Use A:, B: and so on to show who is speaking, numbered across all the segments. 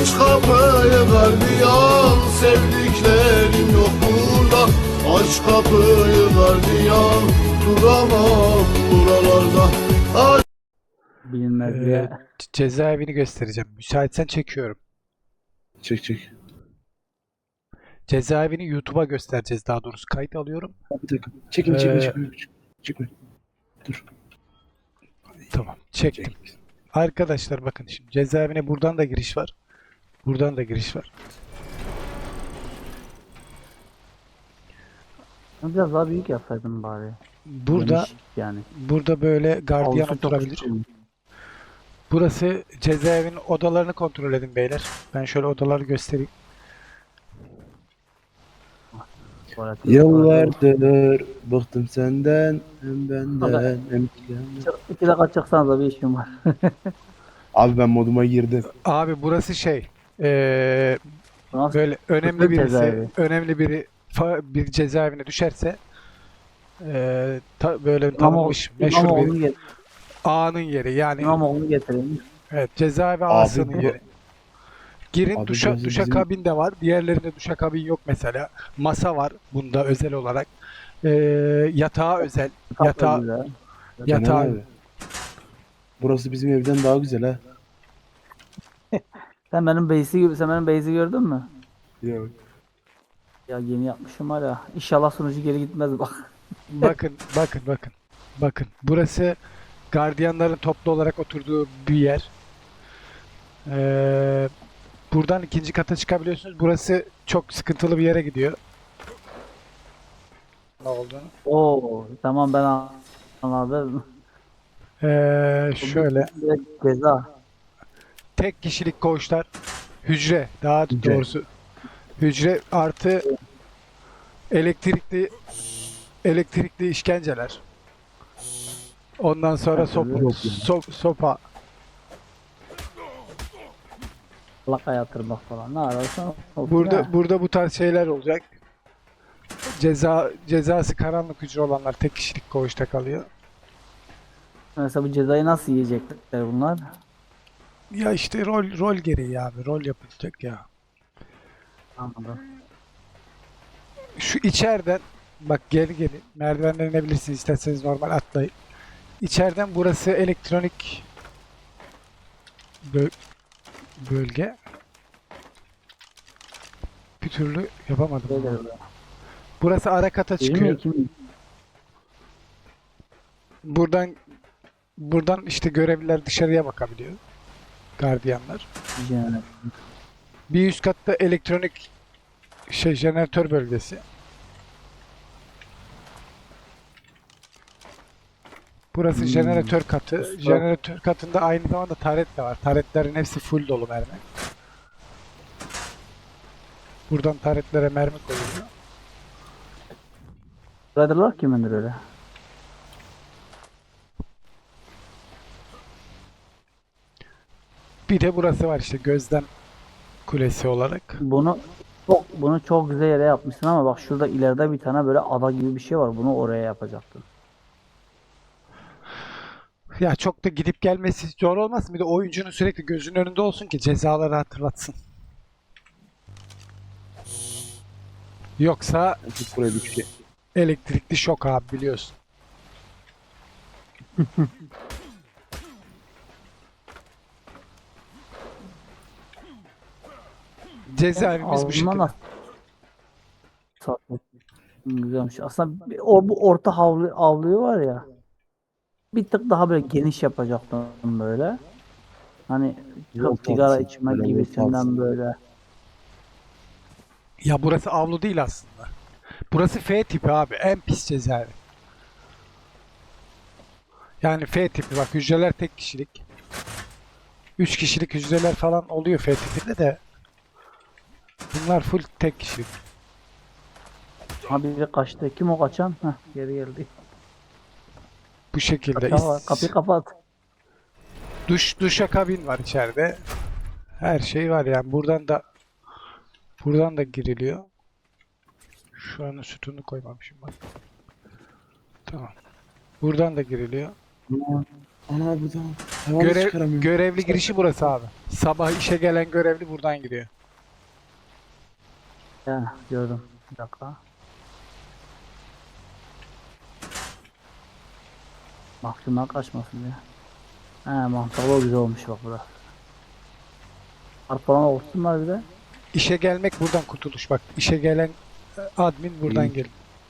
A: Aç kapıyı gardiyan, sevdiklerim yok burada. Aç kapıyı gardiyan, duramam buralarda. Aç.
B: Bilinmez ya.
C: Cezaevini göstereceğim. Müsaitsen çekiyorum.
D: Çek.
C: Cezaevini YouTube'a göstereceğiz daha doğrusu. Kayıt alıyorum.
D: Bir dakika. Çekme. Çekme. Dur.
C: Tamam. Çektim.
D: Çek.
C: Arkadaşlar bakın şimdi cezaevine buradan da giriş var. Buradan da giriş var.
B: Biraz daha büyük yapsaydım bari.
C: Burada
B: Geniş yani.
C: burada böyle gardiyan
B: Avlusu çok
C: oturabilir.
B: küçük.
C: Burası cezaevinin odalarını kontrol edin beyler. Ben şöyle odaları göstereyim.
B: Tuvalet-
D: Yıllardır bıktım senden, hem benden hem senden.
B: 2 dakika çıksanız da bir işim var.
D: Abi ben moduma girdim.
C: Abi burası şey
B: Nasıl?
C: böyle önemli
B: Kısa
C: birisi
B: cezaevi.
C: önemli biri bir cezaevine düşerse böyle
B: İmamoğlu,
C: tanınmış meşhur bir
B: İmamoğlu'nu get
C: ağanın yeri yani
B: İmamoğlu'nu getirin.
C: evet cezaevi
D: Abi
C: ağasının
D: bu-
C: yeri. Girin
D: Abi
C: duşa
D: burası bizim-
C: kabin de var. Diğerlerinde duşakabin yok mesela. Masa var bunda özel olarak. Yatağı özel.
B: Çok
C: Yatağı
B: güzel.
D: Caner
C: yatağı
D: abi. Burası bizim evden daha güzel ha.
B: Sen benim base'i gördün mü?
D: Yok.
B: Ya yeni yapmışım hala. İnşallah sunucu geri gitmez bak.
C: bakın. Burası gardiyanların toplu olarak oturduğu bir yer. Buradan ikinci kata çıkabiliyorsunuz. Burası çok sıkıntılı bir yere gidiyor. Ne olduğunu.
B: Oo, tamam ben anladım.
C: Şöyle
B: Direkt ceza.
C: tek kişilik koğuşlar, hücre daha
D: Hücre.
C: doğrusu hücre artı elektrikli işkenceler. Ondan sonra sopa.
B: Laka yatırmak falan. Ne ararsan olsun ha.
C: Burada bu tarz şeyler olacak. Cezası karanlık hücre olanlar tek kişilik koğuşta kalıyor.
B: Mesela bu cezayı nasıl yiyecekler bunlar?
C: Ya işte rol gereği abi. Rol yapılacak ya.
B: Anladım.
C: Şu içeriden bak gelin merdivenden inebilirsiniz isterseniz normal atlayın. İçeriden burası elektronik bölge. Bir türlü yapamadım.
B: Böyle
C: bunu.
B: böyle.
C: Burası ara kata
B: Bir mi
C: çıkıyor.
B: iki mi?
C: Buradan işte görevliler dışarıya bakabiliyor. Gardiyanlar.
B: Yani.
C: Bir üst katta elektronik jeneratör bölgesi. Burası jeneratör katı. Jeneratör katında aynı zamanda taret de var. Taretlerin hepsi full dolu mermi. Buradan taretlere mermi koyuluyor.
B: Rider'lar kimindir öyle?
C: Bir de burası var işte gözlem kulesi olarak.
B: Bunu çok güzel yere yapmışsın ama bak şurada ileride bir tane böyle ada gibi bir şey var. Bunu oraya yapacaktın.
C: Ya çok da gidip gelmesi zor olmasın. Bir de oyuncunun sürekli gözünün önünde olsun ki cezaları hatırlatsın. Yoksa
D: Tut buraya bir şey.
C: elektrikli şok abi biliyorsun. Cezaevimiz bu
B: Ağzından
C: şekilde.
B: nasıl? Güzelmiş. Aslında bu orta avluyu var ya. Bir tık daha böyle geniş yapacaktım böyle. Hani
D: Yol
B: çok sigara
D: tarzı,
B: içme
D: böyle yol
B: gibisinden
D: tarzı.
B: böyle.
C: Ya burası avlu değil aslında. Burası F tipi abi. En pis cezaevi. Yani F tipi bak hücreler tek kişilik. 3 kişilik hücreler falan oluyor F tipinde de. Bunlar full tek kişilik.
B: Ha biri kaçtı. Kim o kaçan? Heh, geri geldi.
C: Bu şekilde.
B: Kaçan var. Kapıyı kapat.
C: Duşakabin var içeride. Her şey var yani. Buradan da giriliyor. Şu an sütunu koymamışım bak. Tamam. Buradan da giriliyor.
D: Ana buradan hayvan
C: Görev,
D: çıkaramıyorum.
C: görevli girişi burası abi. Sabah işe gelen görevli buradan gidiyor.
B: Ya gördüm. Bir dakika. Mahkumlar kaçmasın diye. He mantıklı güzel olmuş bak burası. Arpalan olsunlar bir de.
C: İşe gelmek buradan kurtuluş bak. İşe gelen admin buradan
D: İyi.
C: gel.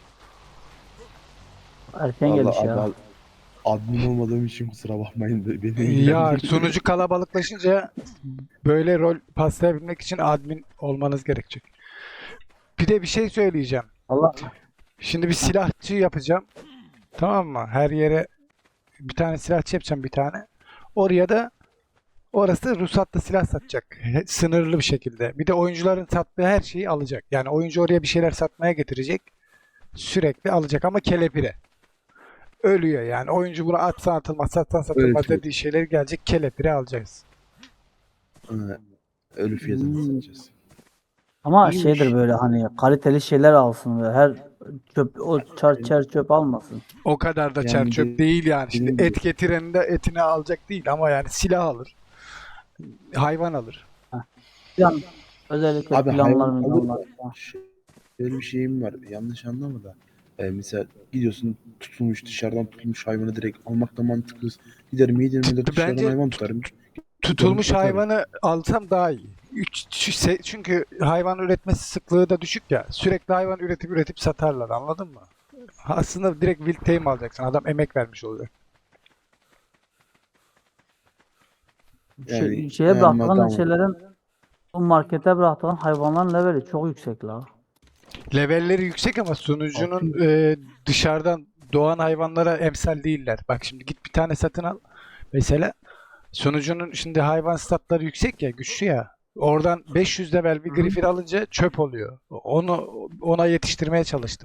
B: Erken
D: Vallahi
B: gelmiş ya.
D: admin olmadığım için kusura bakmayın da beni
C: Ya
D: ilgilendirmiyor.
C: sunucu kalabalıklaşınca böyle rol paslayabilmek için admin olmanız gerekecek. Bir de bir şey söyleyeceğim.
B: Allah
C: Şimdi bir silahçı yapacağım. Tamam mı? Her yere bir tane silahçı yapacağım bir tane. Oraya da orası ruhsatlı silah satacak. Sınırlı bir şekilde. Bir de oyuncuların sattığı her şeyi alacak. Yani oyuncu oraya bir şeyler satmaya getirecek. Sürekli alacak ama kelepire. Ölüyor yani. Oyuncu bunu atsan atılmaz, satsan satılmaz
D: Evet.
C: dediği şeyleri gelecek. Kelepire alacağız.
D: Ha, ölü fiyatını satacağız.
B: ama
D: İyiymiş.
B: şeydir böyle hani kaliteli şeyler alsın böyle her çöp o çer çöp almasın.
C: O kadar da
D: Yani
C: çerçöp
D: de-
C: değil yani. Şimdi
D: dediğim
C: et getirenin de etini alacak değil ama yani silah alır. Hayvan alır.
B: Plan özellikle
D: Abi
B: planlar
D: hayvan alır
B: planlar.
D: da şöyle bir şeyim var. Yanlış anlama da. Mesela gidiyorsun tutulmuş dışarıdan tutulmuş hayvanı direkt almak da mantıklı. Giderim yedirmede dışarıdan
C: Bence
D: hayvan tutarım.
C: tutulmuş
D: Tutarım.
C: hayvanı alsam daha iyi. Çünkü hayvan üretmesi sıklığı da düşük ya. Sürekli hayvan üretip satarlar anladın mı? Aslında direkt wild tame alacaksın. Adam emek vermiş olacak.
D: Yani
B: Şeye bırakılan
D: tamam.
B: şeylerin bu markete bırakılan hayvanların leveli çok yüksek la.
C: Levelleri yüksek ama sunucunun dışarıdan doğan hayvanlara emsal değiller. Bak şimdi git bir tane satın al. Mesela sunucunun şimdi hayvan statları yüksek ya, güçlü ya. Oradan 500 level bir griffin alınca çöp oluyor. Ona yetiştirmeye çalıştım.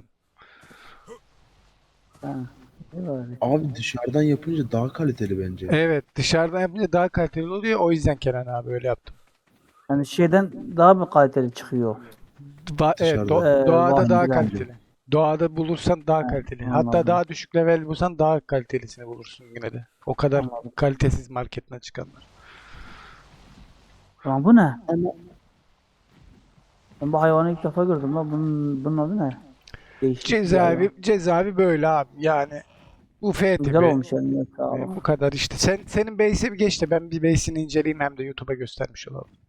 B: Ha, iyi böyle.
D: Abi dışarıdan yapınca daha kaliteli bence.
C: Evet, dışarıdan yapınca daha kaliteli oluyor. O yüzden Kenan abi öyle yaptım.
B: Yani şeyden daha mı kaliteli çıkıyor?
C: Evet,
D: Dışarıda.
C: doğada
B: Var
C: daha
B: bence.
C: kaliteli. Doğada bulursan daha kaliteli. Hatta
B: anladım.
C: daha düşük level bulsan daha kalitelisini bulursun yine de. O kadar
B: Anladım.
C: kalitesiz marketten çıkanlar.
B: Tamam bu ne?
D: Ama
B: Ben bu hayvanı ilk defa gördüm la. Bunun adı ne? Değişik bir hayvan.
C: Cezaevi böyle abi. Yani bu F tipi.
B: Güzel olmuş yani. Sağ ol.
C: Bu kadar işte. Senin base'e bir geç de ben bir base'ini inceleyeyim hem de YouTube'a göstermiş olalım.